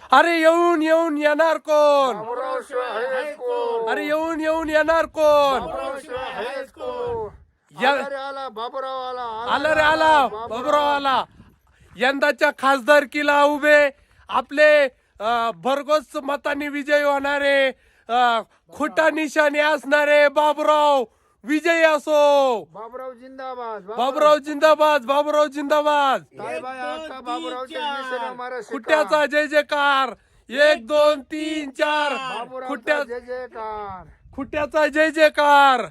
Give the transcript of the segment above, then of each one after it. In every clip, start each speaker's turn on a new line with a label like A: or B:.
A: अरे येऊन येऊन येणार कोण?
B: बाबूराव शिवाय आहेच कोण?
A: अरे येऊन येऊन येणार कोण?
B: बाबूराव शिवाय आहेच कोण?
A: या-
B: आला रे आला बाबूराव आला.
A: आला रे आला बाबूराव आला. यंदाच्या खासदारकीला उभे आपले भरघोस मतांनी विजयी होणारे खोटा निशाणे असणारे बाबूराव विजयी असो.
B: बाबूराव जिंदाबाद.
A: बाबूराव जिंदाबाद. बाबूराव जिंदाबाद.
B: ताईबाई अक्का बाबूरावच्या निशाणा मारा शिक्का.
A: खुट्ट्याचा जय जयकार. 1 2 3 4
B: बाबूरावचा
A: खुट्ट्या
B: जय जयकार.
A: खुट्ट्याचा जय जयकार.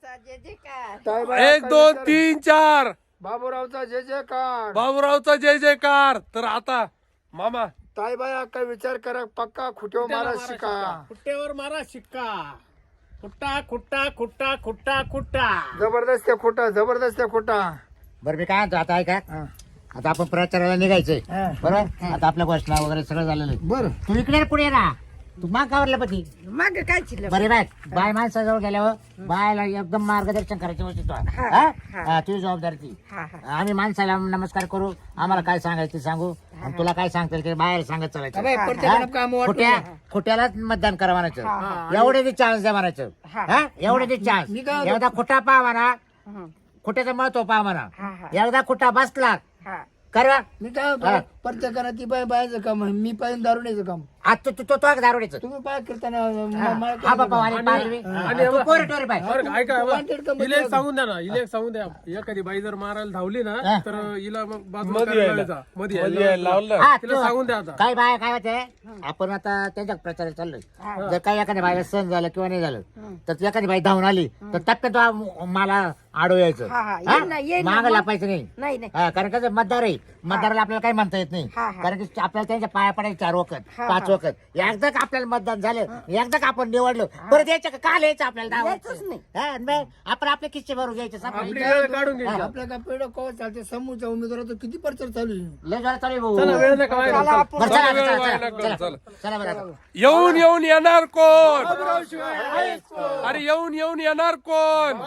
B: ताईबाई
A: 1
B: अक्का
A: 2
B: विचार-
A: 3 4
B: बाबूरावचा जय जयकार.
A: बाबूरावचा जय जयकार. तर आता मामा
B: ताईबाई अक्का विचार करा पक्का खुट्यो मारा शिका.
C: खुट्ट्यावर मारा शिक्का. खुट्टा खुट्टा खुट्टा खुट्टा खुट्टा.
B: जबरदस्त आहे खोटा. जबरदस्त आहे खोटा.
D: बरं मी काय म्हणतो आता ऐका
B: हा.
D: आता आपण प्रचाराला निघायचंय
B: हा.
D: बरोबर आता आपल्या घोषणा वगैरे सगळं झालेलं आहे.
B: बर
D: तू इकडे पुढे ना तू माग कावरला पती
E: माग काय चिल्लर
D: बरे बाय माणसाजवळ गेल्यावर बायला एकदम मार्गदर्शन करायची वस्तू तुझी जबाबदारी ती
E: हा हा
D: आम्ही माणसाला नमस्कार करू आम्हाला काय सांगायचं ते सांगू आणि तुला काय सांगता येईल ते बाहेर सांगत चालायचं खोट्यालाच मतदान करा म्हणायचं एवढे ते चान्स द्या म्हणायचं हा एवढे ते चान्स एकदा खोटा पहा म्हणा खोट्याचं महत्व पहा म्हणा एकदा खोटा बसला
E: हा
D: करा
B: मी काय
D: हा.
B: प्रत्येकानं ती बाय बायचं काम आहे. मी पाहिजे दारुण्याचं काम.
D: आता तू तो दारोड्याचं
B: तुम्ही पाय करताना
D: हा बाबा आणि पारवी तू पोरे टोरे पाय
A: ऐका
B: Wanted company
A: इले सांगून द्या ना. इले सांगून द्या एखादी बाई जर मारायला धावली ना
D: हा.
A: तर हिला मग बाजूला करायला लावायचा. मध्ये लावलं
D: हा,
A: तिला
D: तू-
A: सांगून द्या आता.
D: काय बाय काय होते आपण आता त्यांच्या प्रचारात चाललोय जर काही एखाद्या बाईला सण झालं किंवा नाही झालं तर एखादी बाई धावून आली तर टप्प्यात मला आडो यायचं
E: हा, हा. येईन ना, येईन ना.
D: माग लापायचं नाही
E: नाही नाही
D: हा, कारण कसं मतदार आहे मतदाराला आपल्याला काही म्हणता येत नाही
E: हा, हा.
D: कारण की आपल्याला त्यांच्या पाया पडायचे 4 वखत
E: हा,
D: 5 वखत एकदा का आपल्याला मतदान झालं एकदा का आपण निवडलो परत यायचं का काल यायचं आपल्याला
E: यायचंच नाही.
D: आपण आपले किस्से भरून घ्यायचे
A: आपली
D: संपलं.
A: वेळ काढून घ्यायची.
B: आपल्या काय पेढ कवा चालते समोरच्या उमेदवाराचा किती प्रचार चालू आहे.
D: लय जोरात चालू आहे भाऊ.
A: चला वेळ नका व्हायला.
E: चला आपण-
D: बरं, चला,
A: चला,
D: चला,
A: वेळ
D: चला,
A: व्हायला
D: चला,
A: चला.
D: चला बरं आता.
A: येऊन येऊन येणार कोण? अरे येऊन येऊन येणार कोण?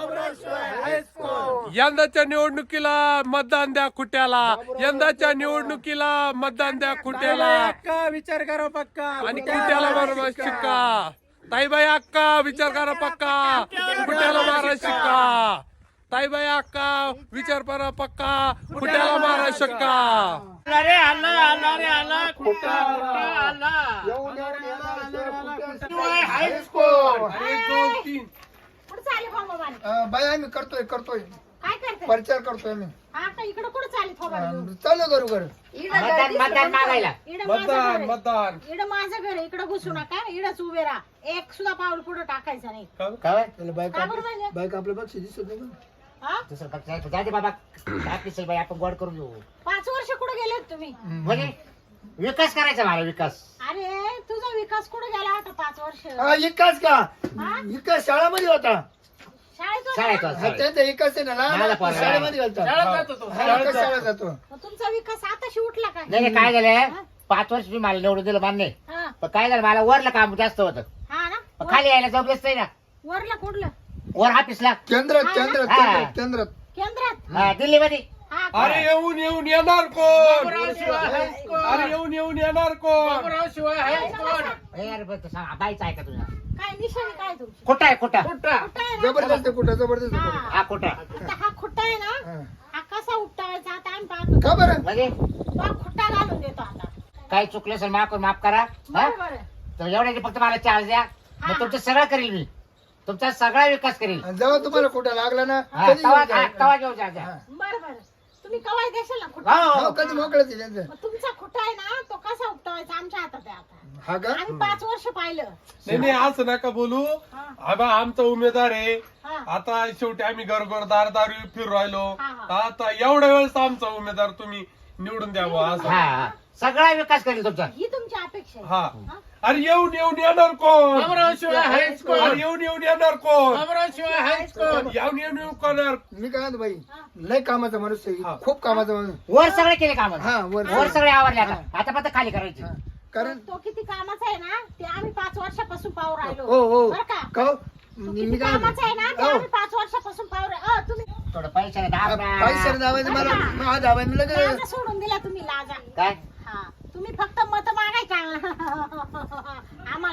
A: यंदाच्या निवडणुकीला मतदान द्या खुट्याला. यंदाच्या निवडणुकीला मतदान द्या खुट्याला
C: पक्का विचार करा पक्का.
A: आणि खुट्याला मारा शिक्का. ताईबाई अक्का विचार करा पक्का. खुट्याला मारा शिक्का. ताईबाई अक्का विचार करा पक्का. खुट्याला मारा शिक्का.
C: आला रे आला आला रे आला खुट्टा खुट्टा आला.
B: येऊन येऊन येणार
C: शिवाय आहेच कोण?
A: 1 2 3
F: कुठं चालले भाऊ मोबाईल?
B: बाय आम्ही करतोय
F: काय करते?
B: प्रचार करतोय आम्ही.
F: आता इकडं कुठं चालले थोबाड?
B: चालू करू कर
D: मतदान मागायला
F: इकडं माझं घर
A: मतदान
F: आहे.
A: मतदान
F: इकडं माझं घर आहे. इकडं घुसू नका. इकडंच उभे राहा. एक सुद्धा पाऊल पुढे टाकायचं नाही.
D: काय
B: बायका
F: का बरं म्हणजे?
B: बायका आपल्या पक्षी दिसत नाही का?
F: हा?
D: दुसरं पक्षाचं जाऊ दे बाबा काय पिसेल बाई आपण गोड करून घेऊ
F: 5 वर्ष कुठे गेलेत तुम्ही?
D: म्हणजे विकास करायचा मला विकास
F: अरे तुझा विकास कुठे गेला होता 5 वर्ष?
B: हा इकाच का
F: हा?
B: इकास शाळामध्ये होता.
F: शाळेत होता
D: शाळेत
F: ना?
D: होता,
B: हा,
D: शाळेत.
B: त्यांचा इकास आहे ना
D: माझा
B: लहान
D: पोरगा.
B: शाळेमध्ये घालतात.
C: शाळेत जातो तो.
B: हा, इकास शाळेत जातो.
F: मग तुमचा विकास आताशी उठला काय?
D: नाही नाही, काय झालं 5 वर्ष तुम्ही मला निवडून दिलं मान्य
F: हा
D: पण काय झालं मला वरलं काम जास्त होतं
F: हा ना?
D: पण खाली यायला जबरदस्त आहे ना
F: वरला कुठलं?
D: वर ऑफिसला
B: केंद्रात
F: हा,
B: केंद्रात
D: हा.
B: केंद्रात केंद्रात
F: केंद्रात?
D: दिल्लीमध्ये
F: हा का?
A: अरे येऊन येऊन येणार कोण?
C: बाबूराव शिवाय आहेच कोण?
A: अरे येऊन येऊन येणार कोण?
C: बाबूराव शिवाय आहेच कोण?
D: ए, अरे बरं, सांग बाईचं आहे का तुझा
F: काय निशाणी काय तुमची?
D: खोटा आहे खोटा
C: खुट्टा.
F: कुठं आहे ना?
B: जबरदस्त आहे कुठं जबरदस्त आहे कुठं.
F: हा.
D: हा खोटा
F: आता हा खुट्टा आहे ना?
B: हा.
F: हा कसा उपटायचा आता आम्ही पाहतो.
B: का बरं
D: म्हणजे
F: तो हा खुट्टा घालून देतो आता.
D: काही चुकलं असेल माफ करा हा?
F: बरोबर आहे.
D: तर एवढ्याचे फक्त मला चार्ज द्या मग तुमचं सगळं करील मी तुमचा सगळा विकास करील
B: आणि जेव्हा तुम्हाला कुठं लागला ना
D: हा,
B: कधी
D: तवा
B: येऊन जा.
D: तवा घेऊन जा जा.
F: बरं बरं. तुम्ही कवाय देशाल ना खुट्टा?
D: हो,
B: हो, कधी मोकळच आहे त्यांचं.
F: मग तुमचा खुट्टा आहे ना तो कसा उपटावायचा आमच्या हातात आहे आता.
B: हा का
F: आम्ही 5 वर्ष पाहिलं.
A: नाही नाही असं नका बोलू.
F: हा.
A: आबा आमचा उमेदवार आहे.
F: हा.
A: आता शेवटी आम्ही घरघर दार फिरू राहिलो.
F: हा,
A: आता एवढ्या वेळेस आमचा उमेदवार तुम्ही निवडून द्यावा असं.
D: हा हा. सगळा विकास करेल तुमचा
F: ही तुमची अपेक्षा आहे.
A: हा अरे येऊन येऊन येणार कोण?
C: बाबूराव शिवाय आहेच
A: अरे
C: कोण?
A: येऊन येऊन येणार कोण?
C: बाबूराव शिवाय आहेच कोण?
A: येऊन येऊन येऊन करणार.
B: मी काय म्हणतो बाई लय कामाचा माणूस आहे
A: हा.
B: खूप कामाचा माणूस
D: वर सगळे केले काम
B: हा वर
D: वर सगळे आवरले आता फक्त खाली करायचे
B: कारण
F: तो किती कामाचा आहे ना ते आम्ही 5 वर्षापासून पाहू राहिलो.
B: हो हो
F: बरं का?
B: का हो?
F: तो
B: मी
F: किती
B: काय
F: कामाचा आहे ना ते
B: हो.
F: आम्ही 5 वर्षापासून पाहू राहिलो. तुम्ही
D: थोडं पैशाने दाब
B: पैसे दाबायचं मला हा दाबायचं मी लगेच
F: लाजा सोडून दिला तुम्ही लाजा.
D: काय
F: हा तुम्ही फक्त मत मागायचा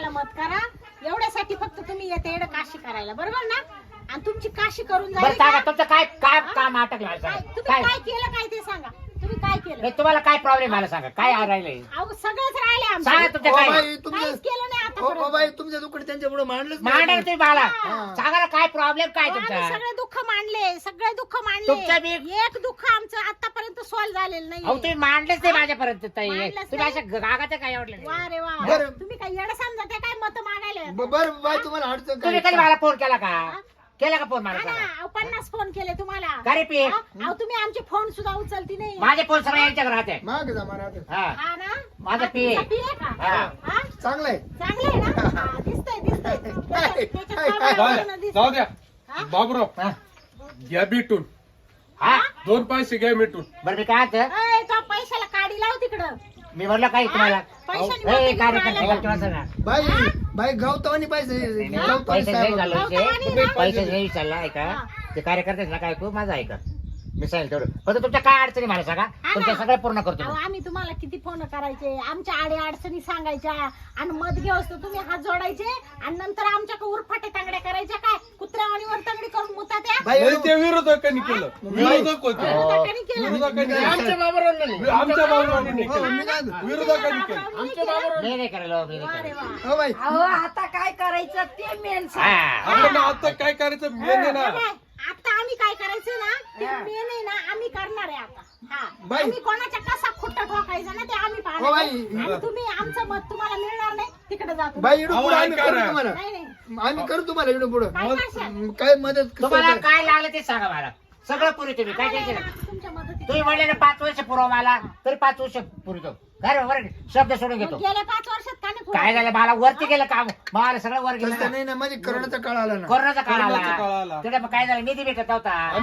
F: मत करा. एवढ्यासाठी फक्त तुम्ही येते एवढं काशी करायला, बरोबर ना? आणि तुमची काशी करून
D: बरं
F: जाईल
D: सांगा
F: का?
D: तुमचं काय काय काम अटकलं मला
F: काय-
D: सांगा.
F: तुम्ही
D: काय
F: काय केलं काय ते सांगा. तुम्ही काय केलं?
D: नाही, तुम्हाला काय प्रॉब्लेम मला सांगा काय राहिलंय
F: अहो सगळंच राहिले
D: सांगा
F: आमचं.
D: तुमचं
B: ओ
D: काय
B: बाई तुमचं
F: काहीच केलं नाही
B: ओ
F: आतापर्यंत.
B: बाई तुमच्या दुकडे त्यांच्या पुढे मांडलंच
D: मांडा
B: नाही.
D: तुम्ही मला
B: हा.
D: सांगा ना काय प्रॉब्लेम काय
F: अहो,
D: तुमचा
F: आम्ही सगळे दुःख मांडले, सगळे दुःख
D: तुमचं
F: मांडले.
D: बी-
F: एक दुःख आमचं आतापर्यंत सॉल्व्ह झालेलं
D: अहो
F: नाही.
D: तुम्ही मांडलेच नाही माझ्यापर्यंत ताई.
F: मांडलंच
D: तुम्ही
F: नाही.
D: अशा गागाचं काय आवडलं
F: वा रे वा.
B: बरं.
F: तुम्ही काय येडं समजा काय मत मागायला?
B: बरं बाई तुम्हाला अडचण
D: तुम्ही
B: काय
D: कधी मला फोन केला का केला का फोन मला
F: हा ना,
D: सांगा
F: अहो, 50 फोन केले तुम्हाला.
D: का रे पी?
F: हा? अहो तुम्ही आमचे फोन सुद्धा उचलती नाही.
D: माझे फोन सगळे यांच्याकडे राहते
B: माग जा मला आता.
D: हा
F: हा ना?
D: माझा
F: हा,
D: पी आहे.
F: तुमचा पी आहे का?
D: हा.
F: हा?
B: चांगलं आहे.
F: चांगलं आहे ना? हा, दिसतंय दिसतंय. त्याच्यात
B: हाय,
F: स्वभावावरून दिसतंय.
A: जाऊ द्या
F: हा?
A: बाबूराव
D: हा.
A: घ्या भेटून
D: हा
A: 2 पैसे घ्या भेटून.
D: बरं मी काय म्हणतो?
F: अय, तो पैशाला काढी लाव तिकडं.
D: मी म्हणलं काय तुम्हाला
F: पैशाने
D: हे
F: मोठे
D: कार्यक्रम
F: घेऊन राहिला.
D: ठेवायचं ना
B: बाई बाई गावतावानी पैसे गावतावानी
D: पैसे नाही
B: साहेब.
D: झाले
F: गौतमानी ना?
D: पैसे नाही विचारला ऐका
F: हा.
D: ते कार्यकर्ते ना काय तू माझा ऐका मी सांगेल तेवढं फक्त तुमच्या काय अडचणी मला सांगा
F: हा
D: तुमच्या
F: ना.
D: सगळं पूर्ण करतो
F: अहो,
D: मी.
F: आम्ही तुम्हाला किती फोन करायचे, आमच्या आडे अडचणी सांगायच्या आणि मत घेऊस तर तुम्ही हात जोडायचे आणि नंतर आमच्या उरफाटे तांगड्या करायच्या काय कुत्र्यावाणी वर तांगडी करून मुतात्या.
B: बाई
A: नाही ते विरोधकांनी केलं. विरोधक होते
F: विरोधकांनी केलं.
A: विरोधकांनी
C: आमच्या बाबरोबर नाही.
A: आमच्या बाबूरावांनी नाही
B: हो,
A: केलं.
B: मी काय म्हणतो?
A: विरोधकांनी केलं.
C: आमच्या बाबरोबर
D: मी नाही करायला मी नाही
F: वा रे
D: करायला.
F: वा.
B: हो बाई
E: अहो आता काय करायचं ते मेन
D: हा.
A: आपण आता काय करायचं मेन आहे ना.
F: काय? आता आम्ही काय करायचं ना ते मेन आहे ना आम्ही करणार आहे आता. हा.
B: बाई.
F: आम्ही कोणाच्या कसा खुट्टा ठोकायचा ना ते आम्ही
B: हो
F: पाहणार
B: बाई.
F: आहे. आणि तुम्ही आमचं मत तुम्हाला मिळणार नाही तिकडे जातो.
B: बाई इकडून
A: अहो,
B: पुढे आम्ही
A: ऐका
B: करू
A: ना.
B: तुम्हाला
F: नाही नाही
B: आम्ही करू तुम्हाला इकडून पुढे
F: काय करशाल?
B: काय मदत
D: तुम्हाला
B: कसं
D: काय लागलं ते सांगा मला सगळं पुरी तुम्ही काय
F: आम्हाला
D: टेन्शन
F: आहे
D: नाही.
F: ना तुमच्या मदतीने.
D: तुम्ही म्हणले ना 5 वर्ष पुरव मला तरी 5 वर्ष पुरतो बरं शब्द सोडून घेतो
F: मग गेल्या 5 वर्षात का नाही
D: काय झालं मला वरती गेलं काम मला सगळं वर
B: तसं
D: गेलं
B: नाही ना माझी करोनाचा काळ आला ना
D: कोरोनाचा काळ
A: कोरोनाचा काळ आला.
D: आला तिथे मग काय झालं निधी भेटत नव्हता
A: आणि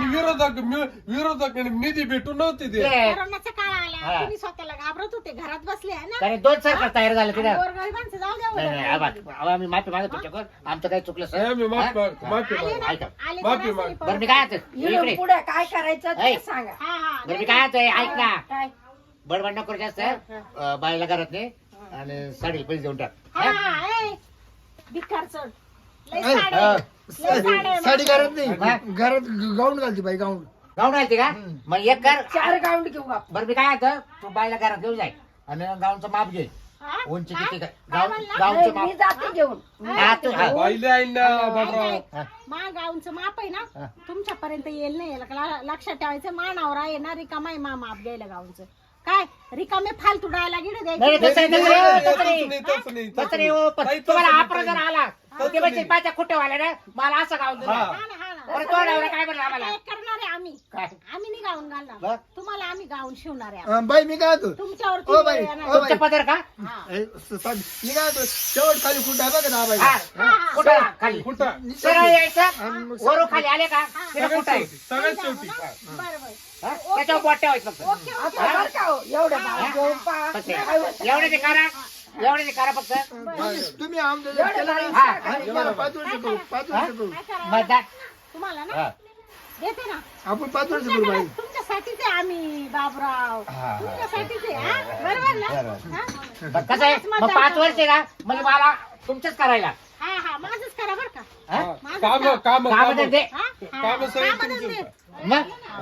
A: विरोधक निधी भेटून नव्हती ते.
D: ते-
F: कोरोनाचा काळ आला
D: हा.
F: तुम्ही स्वतःला घाबरत होते घरात बसले आहे ना.
D: त्याने 2 सरकार तयार झाले तिथे
F: आणि गोरगरिबांचं जाऊ द्या
D: नाही नाही
F: उलट.
D: आम्ही माफी मागतो तुमच्याकडून आमचं काही चुकलं
A: नाही, मी
D: सर
A: माफी
D: हा?
A: माफी
F: आले
A: माग.
F: ना,
D: ऐका.
F: आले
A: माफी
F: तर
A: माग.
F: असं
D: बरं मी काय म्हणतो?
E: इकडून
D: इकडे
E: पुढे काय करायचं
D: ऐ.
E: ते सांगा.
F: हा हा
D: बरं मी काय म्हणतोय ऐक ना
F: काय?
D: बडबड नको करू जास्त बाईला घरात नाही आणि साडी पैसे देऊन टाक
F: हा
D: हा?
F: हा ए. भिकार चढ. लय
B: ऐ,
F: साड्या
B: हा.
F: आहे. लय साड्या आहे.
B: साडी घरात
D: हा.
B: नाही घरात गाऊन घालते बाई गाऊन
D: गाऊन घालते का मग एक कर
E: 4 गाऊंड घेऊ आपण.
D: बरं मी काय म्हणतो तू बाईला घरात घेऊन जाय आणि गाऊनचं माप घे
F: हा?
D: उंची
F: काय?
D: किती
F: काय
D: गाव
F: म्हणला?
D: गावचं
E: नाही, मी
D: माप
E: जाते घेऊन.
D: हा तू हा.
A: बाईले आहे ना बाबूराव.
F: ऐक,
D: हा.
F: मा गावचं माप आहे
D: हा.
F: ना तुमच्यापर्यंत येईल नाही लक्षात ठेवायचं मानावर आहे ना रिकामा आहे मा माप घ्यायला गावचं काय रिकामे फालतू डायला गिड
D: नाही
F: द्यायचे
D: तसं नाही,
A: नाही,
D: तसं नाही,
A: तसं नाही, तसं नाही,
D: तसं
A: तसं
D: नाही,
A: नाही.
D: हो, पण
A: ताई,
D: तुम्हाला
A: तसं
D: हा
A: नाही,
D: जर आला तर ते बच्चे पाच्या खुट्टेवाल्या ना मला असं गाऊन दिलं
A: हा.
F: हा ना हा ना
D: बरं तो नवरा काय म्हणला आम्हाला
F: आता एक करणार आहे आम्ही
D: काय
F: आम्ही नाही गाऊन
D: बर.
F: घालणार तुम्हाला आम्ही गाऊन शिवणार आहे आता.
B: बाई मी काय होतो
F: तुमच्यावरती
B: ओ बाई,
F: वेळ येणार.
B: ओ
D: तुमच्या
B: बाई.
D: पदर का
F: हा.
B: मी काय होतो शेवट खाली कुठं आहे बघा दहा बाई
D: हा
F: हा.
D: कुठं खाली
A: कुठं
D: सरळ यायचं
B: आणि मग
D: वरून खाली आले का तिला
A: सगळ्यात
D: कुठं आहे
A: शेवटी सगळ्यात शेवटी
F: बरं बरं
D: हा? त्याच्यावर बोट ठेवायचं फक्त
F: ओके ओके
E: आता बरं का हो, एवढं भाव घेऊन पहा.
D: कसे?
E: काय होतं?
D: एवढे ते करा एवढे ते करा फक्त
B: तुम्ही आमचं जर
E: एवढं
B: केलं
E: भारी
B: ना,
D: हा.
B: आम्ही तुम्हाला 5 वर्ष करू 5 वर्ष करू
F: काय करावं?
D: मतदान
F: तुम्हाला ना
D: हा.
F: देते ना
B: आपण 5 वर्ष करू बाई
F: तुमच्यासाठीच आहे आम्ही बाबराव तुमच्यासाठीच आहे हा? बरोबर ना हा?
D: मग कसं आहे मग 5 वर्ष आहे ना म्हणजे मला तुमचंच करायला
F: हा हा माझंच करा बरं का
D: हा?
A: काम काम
D: काम धंदे
F: हा? हा.
A: काम सगळे
F: कामं
A: तुमचे.
F: धंदे.
D: मग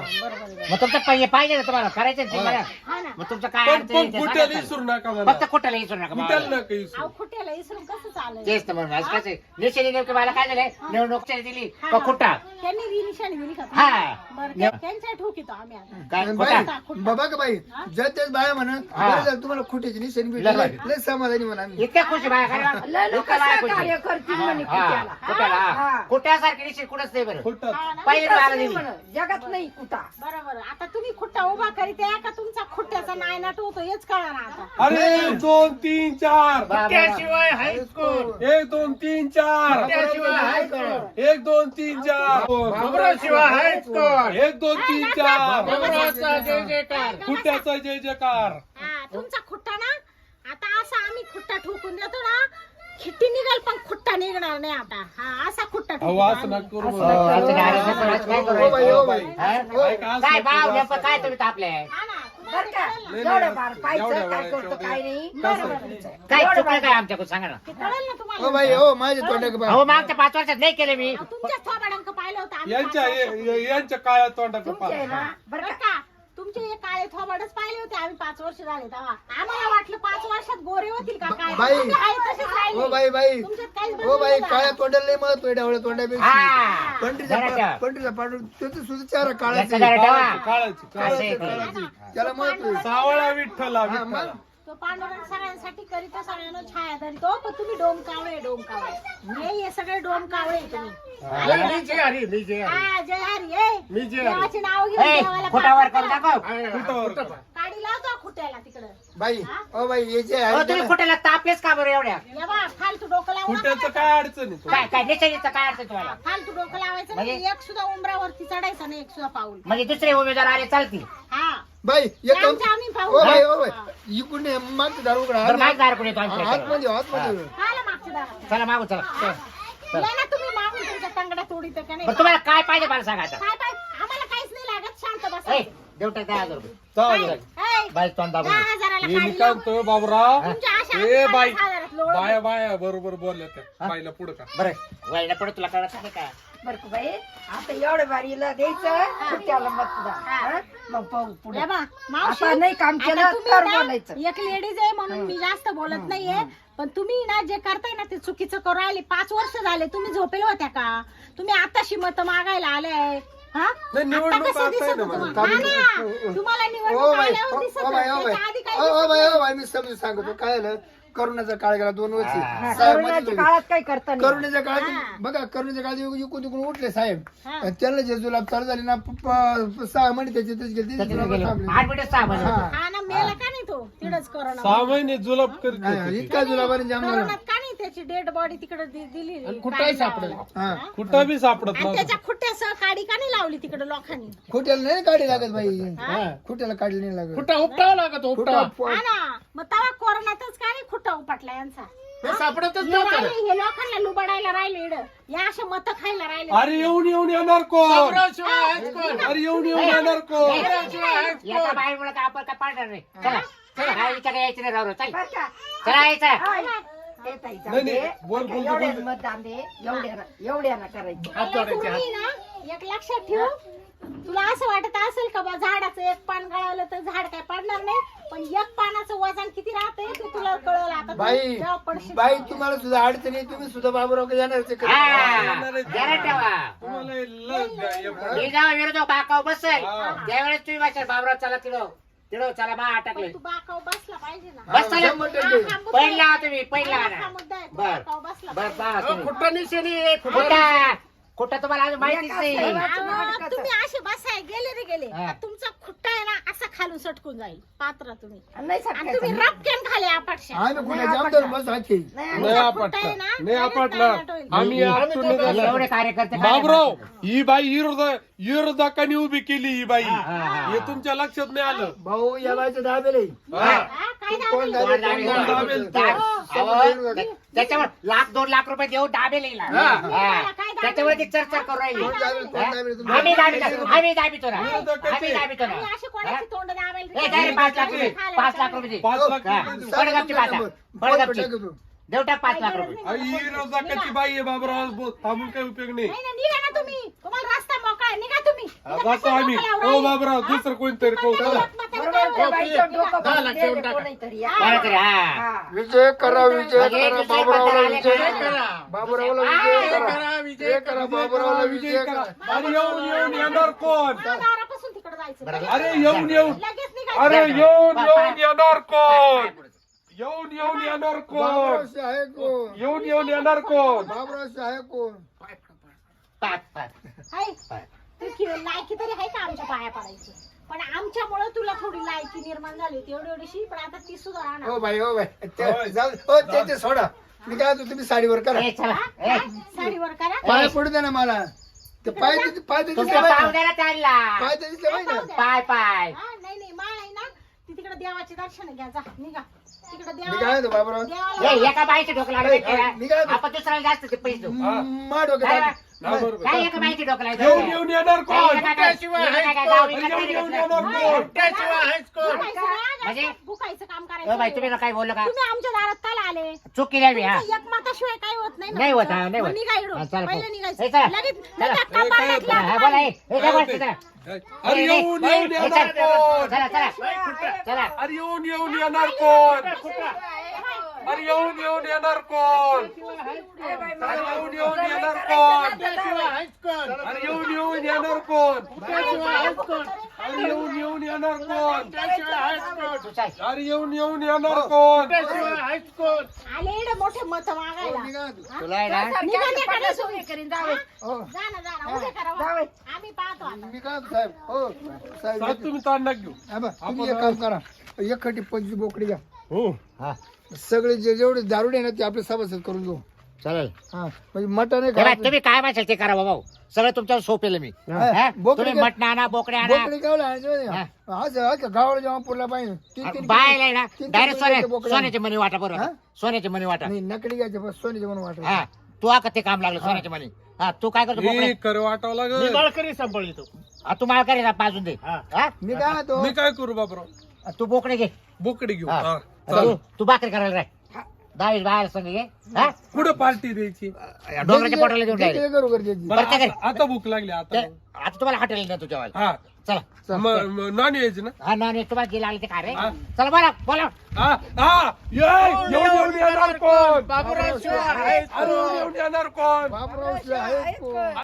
D: मग तुमचं पाहिजे ना तुम्हाला करायचं ना मला
F: हा ना
D: मग तुमचं काय
A: पण
D: अडचण आहे ते
A: कुठे
D: सांगा
A: विसरू
D: मला.
A: नका मला
D: फक्त कुठेला विसरू नका
A: कुठे
D: मला.
A: नका विसरू.
F: अहो खुट्याला इसरून कसं चालेल
D: तेच तर म्हणून आज कसं आहे, निशाणी नेमकी मला काय झालंय निवडणूकच्या दिली
F: हा,
D: का
F: हा.
D: खुट्टा
F: त्यांनी री निशाणी दिली का
D: हा.
F: बरं त्यांच्या ठोकीतो आम्ही आता
D: काय
B: बाई
D: खुट्टा
B: बाबा का बाई जर तेच बाया म्हणा
D: हा.
B: बरं झालं तुम्हाला खोट्याची निशाणी
D: लय
B: भेटली लय समाधानी म्हणा आम्ही
D: इतक्या खुशी बाया काय
E: लय लोक कार्य करतील म्हणे कुठ्याला.
D: कुठ्याला
E: हा.
D: कुठ्यासारखी निश्चित कुठंच नाही बरं
A: खोटं.
F: हा ना?
D: पहिले
E: कुठंच
D: मला
E: नाही
D: दिली
E: म्हणे. जगात नाही कुठा.
F: बरोबर आता तुम्ही खुट्टा उभा करीत आहे का तुमचा खुट्ट्याचा नायनाट होतो हेच कळा ना आता
A: अरे 1 2 3 4
C: त्याशिवाय हायस्कूल
A: 1 2 3 4 1 2 3 4
C: बाबराव शिवाय हायस्कूल
A: 1 2 3 4
C: बाबरावचा जय जयकार
A: खुट्ट्याचा जय जयकार.
F: हा तुमचा खुट्टा ना आता असा आम्ही खुट्टा ठोकून देतो ना खिट्टी निघाल पण खुट्टा निघणार नाही आता हा असा खुट्टा
A: अहो
F: ठोकू
A: असं
F: आम्ही.
A: नका करू
D: हो,
A: मला.
D: असं नाही, असं नाही, असं काय करू
B: ओ बाई
D: राहिले?
B: ओ बाई
D: हा?
A: ऐका, असं
D: काय
A: नका
D: भाव
A: करू,
D: नेमकं
A: असं
D: काय
A: नका.
D: तुम्ही तापले
F: हा ना
E: बरं का
A: नाही,
E: एवढं
A: नाही,
E: बार
A: एवढ्या
E: पाहिजे काय
A: वेळा
E: करतो काय नाही
F: बरं, बरं.
D: काय चुकलं काय आमच्याकडून सांगा ना.
F: ते कळेल ना
B: ओ
F: तुम्हाला
B: बाई हो माझ्या तोंडाक
D: अहो मागच्या 5 वर्षात नाही केले मी.
F: तुमच्या थोबाडांक पाहिलं होतं आम्ही
A: यांच्या काळ्या तोंडाचं
E: तुमचे आहे ना
F: बरं
E: बरं का
F: का तुमचे हे काळे थोबाडच पाहिले होते आम्ही 5 वर्ष झाले तेव्हा आम्हाला वाटलं 5 वर्षात गोरे होतील का काय
B: बाई.
F: तुमचे आहे तसेच राहिले.
B: ओ बाई
F: तुमच्यात काहीच
B: ओ
F: बदल
B: बाई
F: नाही झाला.
B: काळ्या तोंडाला लय महत्व आहे डावळ्या तोंडापेक्षा
D: हा.
B: पंढरीचा
D: जरा ठेवा.
B: पंढरीचा पाडू त्याचं सुद्धा चारा
D: याचं
B: काळाचा
D: जरा ठेवा.
A: काळाची
D: असं आहे ते.
B: त्याला महत्व आहे.
A: सावळा विठ्ठला
B: हा,
A: विठ्ठला
B: मग
F: तो पांडुरंग सगळ्यांसाठी करीतो सगळ्यांना छाया धरितो पण तुम्ही डोम कावळे हे सगळे डोम कावळे तुम्ही
C: मी जे हरी मी जे हरी
F: हा जय हरी ए
C: मी जे हरी
F: देवाचे नाव घेऊन
D: ए,
F: देवाला
D: फुटावर
F: प्रार्थना
D: करून
F: करा.
D: दाखव.
F: काडी लावतो खुट्याला तिकडं
B: बाई ओ बाई याचे
D: अहो,
B: आहे
D: तुम्ही
B: ना.
D: खोट्याला तापलेच का बरं एवढ्या.
F: ये बा फालतू डोकं लावू नका
A: कुठ्याचं
F: बरं का?
A: काय अडचण आहे
D: काय काय निश्चयीचं काय अडचण तुम्हाला.
F: फालतू डोकं लावायचं नाही
D: म्हणजे?
F: एक सुद्धा उमरावरती चढायचं नाही एक सुद्धा पाऊल
D: म्हणजे दुसरे उमेदवार आले चालतील.
F: हा
B: बाई एक काम
F: आमचं आम्ही पाहू
B: ओ बाई ओ
F: हा.
B: बाई इकडून ये, मागचं दार उघडा
D: बरं माग दार कोणी येतो आमच्या इकडे.
B: आतमध्ये आतमध्ये
F: आला मागच्या दारात.
D: चला मागू चला.
F: या ना तुम्ही मागून तुमच्या तंगड्या तोडीत का नाही
D: बरं तुम्हाला काय पाहिजे मला सांगा आता.
F: काय आम्हाला काहीच नाही लागत शांत बसा
D: ए, देऊ टाक 10,000 रुपये.
A: चालेल
F: ए,
D: बाई तोंड दाबून.
F: 10,000ला
A: हे मी
F: काढली
A: काय
F: हो.
A: म्हणतोय बाबूराव
F: तुमच्या अशा
A: ए बाई
F: 50,000 लोळं.
A: बाया बाया बरोबर बोलल्या त्या बाईला पुढं का
D: बरं वळणं पडत तुला कळत नाही का.
E: बरं का बाई आता एवढं बारीला द्यायचं खुट्याला मतदान हा? मग पाहू पुढे
F: या बा, मावशी,
E: आता नाही काम केलं
F: आता तुम्ही
E: तर
F: ना
E: बोलायचं
F: एक लेडीज आहे म्हणून मी जास्त बोलत नाहीये पण तुम्ही ना जे करताय ना ते चुकीचं करू राहिले 5 वर्ष झाले तुम्ही झोपेल होत्या का तुम्ही आताशी मत मागायला आलाय हा
A: नाही, निवडणूक
F: आता कसं
A: आता आहे
F: दिसत
A: ना
F: होतं
A: मला.
F: तुम्हाला? हा ना, तुम्हाला
B: ओ
F: निवडणूक
B: बाई
F: आल्यावर दिसत
B: ओ बाई ओ
F: होतं.
B: बाई
F: त्याच्या आधी काही
B: ओ
F: दिसत
B: बाई
F: नाही.
B: ओ बाई मी समजून सांगतो काय झालं करोनाचा काळ गेला 2 वर्ष
E: हा,
B: साहेब
E: करोनाच्या
B: मध्ये
E: काळात काही करता नाही
B: करोनाच्या काळात बघा करोनाच्या काळात इकडून तिकडून उठले साहेब
F: हा.
B: त्यांना जे जुलाब चालू झाले ना 6 महिने त्याच्यातच गेले
D: त्याच्यात
B: जुलाब
D: गेलो.
B: थांबले.
D: 8 मिनिटं 6 महिने.
B: हा.
F: हा ना मेला का नाही तो तिकडच करोना
A: 6 महिने जुलाब करीत
B: हा,
A: होते ते.
B: इतका जुलाबाने जाम झाला
F: करोनात का नाही त्याची डेड बॉडी तिकडे दिली
C: कुठंही सापडेल.
B: हा
A: कुठं बी सापडत
F: आणि
A: नव्हतं
F: त्याच्या खुट्ट्यासह काडी का नाही लावली तिकडे लोकांनी
B: खोट्याला नाही काढी लागत बाई
F: हा?
B: खोट्याला काढली नाही लागत
C: कुठं उपटावं लागत उपटावं
F: हा ना मग तवा कोरोनातच का नाही खुट्टा उपटला यांचा
C: ते सापडतच
F: हे
C: नव्हतं
F: राहिले, हे लोकांना लुबाडायला राहिले इकडं. या अशा मत खायला राहिले
A: अरे येऊन येणार कोण
C: बाबरावशिवाय आहेच कोण?
A: अरे येऊन येणार कोण
C: बाबरावशिवाय आहेच कोण?
D: याचा बाहेर तर आपण काय पाडणार नाही. चला चला हा विचार यायचं नाही राव चल
E: बरं का
D: चला यायचं.
E: हाय. ते ताई जाऊ
A: नाही,
E: दे.
A: नाही, बोल,
E: बरं का,
A: बोल,
E: एवढ्यानं
A: बोल.
E: मतदान दे एवढ्यानं करायचं
C: हात जोडायचे, हात.
F: तुम्ही ना एक लक्षात ठेव तुला असं वाटत असेल का बा झाडाचं एक पान गळावलं तर झाड काय पडणार नाही पण एक पानाचं वजन किती राहतंय ते तुला कळलं आता तू
B: बाई
F: जेव्हा पडशील
B: बाई
F: तेव्हा.
B: तुम्हाला सुद्धा अडचणी तुम्ही सुद्धा बाबूराव येणार
D: हा जरा ठेवा.
A: तुम्हाला हे लस द्या, हे पण.
D: मी जेव्हा विरोध बाकाव बसेल
A: हा.
D: त्यावेळेस तुम्ही माझ्या बाबराव चला तिडो चला बा अटकले
F: पण तू बाकाव बसला पाहिजे ना
D: बस चला.
B: 100%
F: हा, हा मुद्दा
D: पहिला
F: आहे.
D: तुम्ही पहिला
F: हा,
D: ना
F: हा मुद्दा आहे. तू
D: बर
F: बाकाव बसला
D: बर
F: पाहिजे.
D: पहा
C: अहो,
D: तुम्ही.
C: कुठं निशाणी आहे, कुठं
D: खोटा खोटा तुम्हाला अजून माहितीच नाही.
F: अहो, तुम्ही असे बसाय गेले रे गेले
D: हा.
F: तर तुमचा खुट्टा आहे ना असा खालून सटकून जाईल पात्र तुम्ही
E: आणि नाही
F: आणि तुम्ही
E: सटकायचं.
F: रपकेन खाली आपटशा
B: आम्ही कुठे आमदार बस हाकी
E: नाही,
A: नाही
F: खुट्टा
A: आपटला
F: आहे ना,
A: नाही आपटला
F: डायरेक्ट होईल.
A: आम्ही आपटून निघालो.
D: एवढे कार्यकर्ते काय
A: बाबराव ही बाई विरोधकांनी उभी केली ही बाई
D: हा.
A: हे तुमच्या लक्षात नाही आलं
B: भाऊ या बाईचं दाबेल आहे.
A: हा.
F: हा, काय
B: कोण
F: दाबेल?
B: दाबेल?
D: कोण
A: दाबेल?
D: त्याच्यावर 1-2 लाख रुपये देऊ दाबे लिहिला त्याच्यावर ती चर्चा करू राहिली.
B: कोण दाबेल? कोण दाबेल? तुम्ही-
D: आम्ही दाबितो ना आम्ही दाबितो ना.
F: आणि अशी कोणाची तोंड दाबेल रे?
D: ए, काय रे, 5 लाख रुपये
F: खायला
D: 5 लाख रुपये दे.
A: 5 लाख
D: हा.
A: रुपये देऊ.
D: बडगपची बाता बडगपची देऊ टाक 5 लाख रुपये.
A: आई, ही विरोधकाची बाई आहे बाबराव थांबून काही उपयोग नाही
F: नाही ना, निघा ना तुम्ही तुम्हाला रस्ता मोकळा आहे. निघा तुम्ही
A: हा,
F: इथं
A: जातो
F: कशाला
A: आम्ही
F: डोकं
A: हो
F: लावून
A: बाबराव
F: राहिले?
A: दुसरं कोणतरी करू चला.
E: बरोबर त्या बाईचं डोकं
C: 10 लाख
E: दे
C: देऊन टाका.
E: कोणीतरी, हा.
D: बरं तरी, हा.
E: हा.
B: विजय करा विजय
D: म्हणजे
B: करा
D: दुसरे
B: बाबूरावला
D: मतदार आले
B: विजय
D: का?
B: करा बाबूरावला
D: हा,
B: विजय करा
C: करा,
B: विजय करा बाबूरावला विजय करा
A: अरे येऊन येणार कोण
F: दारापासून तिकडे जायचं
D: बरं.
A: अरे येऊन
F: लगेच निघायचं.
A: अरे येऊन येणार कोण येऊन येणार कोण
B: बाबूरावशी आहे कोण
A: येऊन येणार कोण
B: बाबूरावशी आहे कोण
D: पाच.
F: हाय. तू लायकी तरी आहे का आमच्या पाया पडायची पण आमच्यामुळे तुला थोडी लायकी निर्माण झाली होती एवढीशी पण आता ती सुद्धा राहणार
B: हो बाई जाऊ ते सोडा मी काय म्हणतो, तुम्ही साडीवर करा
D: ए, चला ए,
F: हा? साडीवर करा
B: पाय पडू द्या ना मला ते पाय पाय तर
D: तुमच्या
B: दिसले
D: पाहुण्याला चालला
B: पाय तर दिसले पाहिजे ना
D: पाय पाय
F: हा, नाही नाही माळ आहे ना ती तिकडे देवाचे दर्शन घ्या जा निघा तिकडे
B: मी काय
F: देवा
B: म्हणतो बाबूराव
F: देवाला
D: ए, एका बाईचे डोकं लागलं
B: मी काय-
D: आपण दुसऱ्याला जास्त ते पैसे देऊ
B: मा डोक्यात
D: काय एका बाईची डोकं लावतो?
A: येऊन येऊन येणार कोण
C: फुट्ट्याशिवाय
D: काय
C: आहेच
D: गाव
C: कोण?
D: विकत नाही
A: येऊन
D: घेतलं?
A: येणार कोण
C: फुट्ट्याशिवाय आहेच कोण?
D: म्हणजे?
F: भुकायचं काम
D: ओ
F: करायचं
D: बाई तुम्ही ना काय बोललं का?
F: तुम्ही आमच्या दारात काल आले
D: चूक केली आम्ही हा
F: एकमताशिवाय काही होत नाही ना.
D: नाही होत, हा, नाही
F: मग
D: होत.
F: निघा इकडून.
D: हा, चला,
F: पहिलं
D: चला.
F: निघायचं
D: हे चला.
F: लगेच
D: चला.
F: धक्का पाडला की
D: हा बोला हे काय बोलते चला
A: अरे येऊन येऊन
D: हे,
A: येणार
D: चला
A: कोण
D: चला चला
A: अरे येऊन येऊन येणार कोण अरे येऊन येऊन येणार कोण अरे येऊन येऊन येणार कोण
C: फुट्ट्याशिवाय आहेच कोण?
A: अरे येऊन येऊन येणार कोण
C: फुट्ट्याशिवाय आहेच कोण?
A: अरे येऊन येऊन येणार कोण
C: फुट्ट्याशिवाय आहेच कोण?
A: अरे येऊन येऊन येणार कोण
C: फुट्ट्याशिवाय आहेच कोण?
F: आले इकडे मोठे मत मागायला
D: तुला आहे ना
F: निघा त्याकडे सोय
E: करीन जावे
F: जा ना उभे करा वा.
E: जावे.
F: आम्ही पाहतो आता
B: मी काय साहेब हो साहेब
A: साहेब तुम्ही ताण नका घेऊ
B: हा बा, तुम्ही एक काम करा एक खटी 25 बोकडी घ्या
A: हो
D: हा
B: सगळे जेवढे दारुडे ना ते आपले सभासद करून घेऊ
D: चालेल
B: हा म्हणजे मटण
D: हे बघ, तुम्ही काय म्हणशाल ते करा भाऊ सगळं तुमच्यावर सोपेल मी हा?
B: बोकडे
D: तुम्ही मटण आणा बोकडे आणा
B: बोकडी काय आज गावाला जेव्हा पुरला पाहिजे तीन
D: बायला आहे ना
B: तीन
D: डायरेक्ट
B: बोकडे बोकडे
D: सोन्याचे मनी वाटा बरोबर
B: हा?
D: सोन्याचे मनी वाटा
B: नाही नकली घ्यायचे बस सोनीचे म्हणून वाटत
D: हा तू आता ते काम लागलं सोन्याचे मनी हा तू काय करतो बोकडे?
A: हे कर वाटावं
C: मी
A: लागेल
C: बाळकरी सांभाळतो.
D: हा, तू मला करे पाजून दे
C: हा.
D: हा?
B: मी काय म्हणतो
A: मी काय करू बापराव
D: तू बोकडे घे
A: बोकडे घेऊ
D: हा.
A: हा, चालेल.
D: तू भाकरी करायला राह दहावीस बाहेर संग घे हा
A: कुठं पार्टी द्यायची
D: डोंगराच्या पोटाला देऊन टाकले
B: करू गरजेची
A: बरं,
D: बरं,
A: आता आता भूक लागली आता
D: आता तुम्हाला हॉटेल नाही तुझ्या
A: हा
D: चला
A: नॉन व्हेज ना
D: हा नाही तुम्हाला गेला आले ते काय रे
A: हा.
D: चला बोला बोला
A: हा हा येऊन येऊन येणार कोण
C: बाबूराव शिवाय आहेच
A: अरे येऊन येणार कोण
B: बापराव आहे कोण?